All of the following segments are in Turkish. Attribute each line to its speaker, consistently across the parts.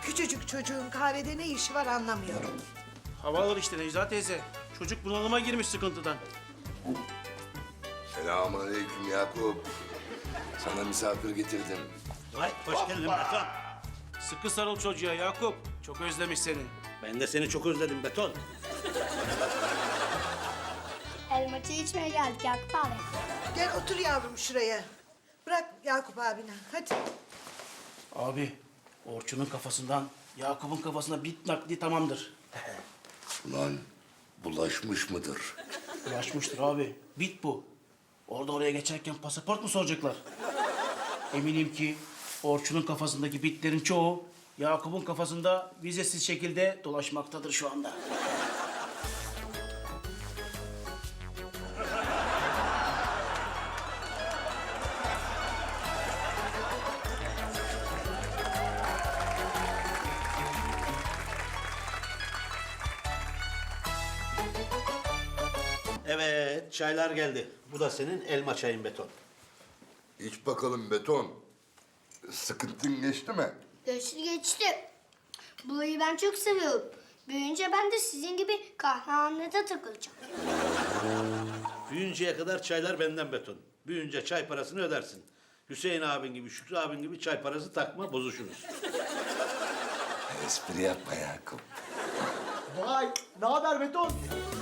Speaker 1: Küçücük çocuğun kahvede ne işi var anlamıyorum.
Speaker 2: Hava alır işte Necla teyze. Çocuk bunalıma girmiş sıkıntıdan.
Speaker 3: Selamünaleyküm Yakup. Sana misafir getirdim.
Speaker 4: Vay hoş geldin Beton.
Speaker 2: Sıkı sarıl çocuğa Yakup. Çok özlemiş seni.
Speaker 4: Ben de seni çok özledim Beton.
Speaker 5: Elma çayı içmeye geldik Yakup abi.
Speaker 1: Gel otur yavrum şuraya. Bırak Yakup abine hadi.
Speaker 2: Abi, Orçun'un kafasından Yakup'un kafasına bit nakli tamamdır.
Speaker 3: Ulan bulaşmış mıdır?
Speaker 2: Ulaşmıştır abi. Bit bu. Orada oraya geçerken pasaport mu soracaklar? Eminim ki Orçun'un kafasındaki bitlerin çoğu Yakup'un kafasında vizesiz şekilde dolaşmaktadır şu anda.
Speaker 4: Evet çaylar geldi. Bu da senin elma çayın Beton.
Speaker 3: İç bakalım beton. Sıkıntın geçti mi?
Speaker 5: Geçti. Burayı ben çok seviyorum. Büyüyünce ben de sizin gibi kahvehanede takılacağım.
Speaker 4: Büyüyünceye kadar çaylar benden Beton. Büyüyünce çay parasını ödersin. Hüseyin abin gibi, Şükrü abin gibi çay parası takma, bozuşuruz.
Speaker 3: Espri yapma Yakup.
Speaker 2: Vay, ne haber beton?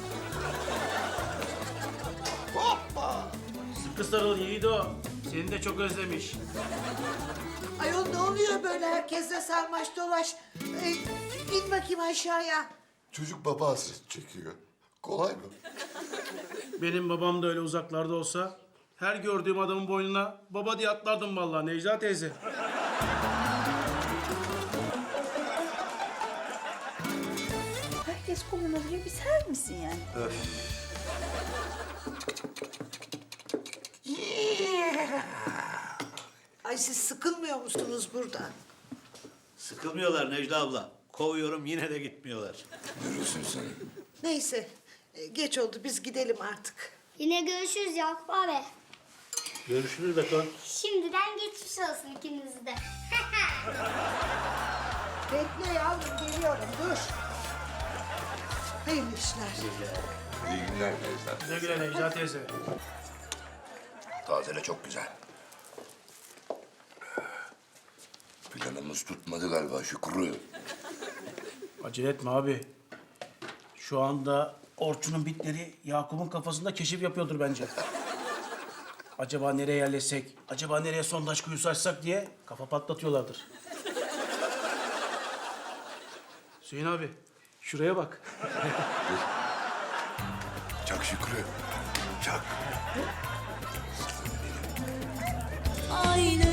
Speaker 2: Sıkı sarıl Yiğido. Seni de çok özlemiş.
Speaker 1: Ayol ne oluyor böyle herkesle sarmaş dolaş. İn bakayım aşağıya.
Speaker 3: Çocuk baba hasret çekiyor. Kolay mı?
Speaker 2: Benim babam da öyle uzaklarda olsa her gördüğüm adamın boynuna baba diye atlardım vallahi Necla teyze.
Speaker 6: Herkes kullanabiliyor. Bir ser misin yani?
Speaker 1: Ay siz sıkılmıyor musunuz burada?
Speaker 4: Sıkılmıyorlar Necla abla. Kovuyorum yine de gitmiyorlar.
Speaker 3: Görürsün sen.
Speaker 1: Neyse geç oldu biz gidelim artık.
Speaker 5: Yine görüşürüz Yakup abi.
Speaker 4: Görüşürüz Beton.
Speaker 5: Şimdiden geçmiş olsun ikiniz de.
Speaker 1: Bekle yavrum geliyorum dur. Hayırlı işler.
Speaker 3: İyi günler teyze.
Speaker 2: Ne güle Necla teyze.
Speaker 3: Tazele çok güzel. Planımız tutmadı galiba Şükrü.
Speaker 2: Acele etme abi. Şu anda Orçun'un bitleri Yakup'un kafasında keşif yapıyordur bence. Acaba nereye yerleşsek, acaba nereye sondaj kuyusu açsak diye kafa patlatıyorlardır. Hüseyin abi, şuraya bak.
Speaker 3: Çak Şükrü. Çak.
Speaker 6: Aynı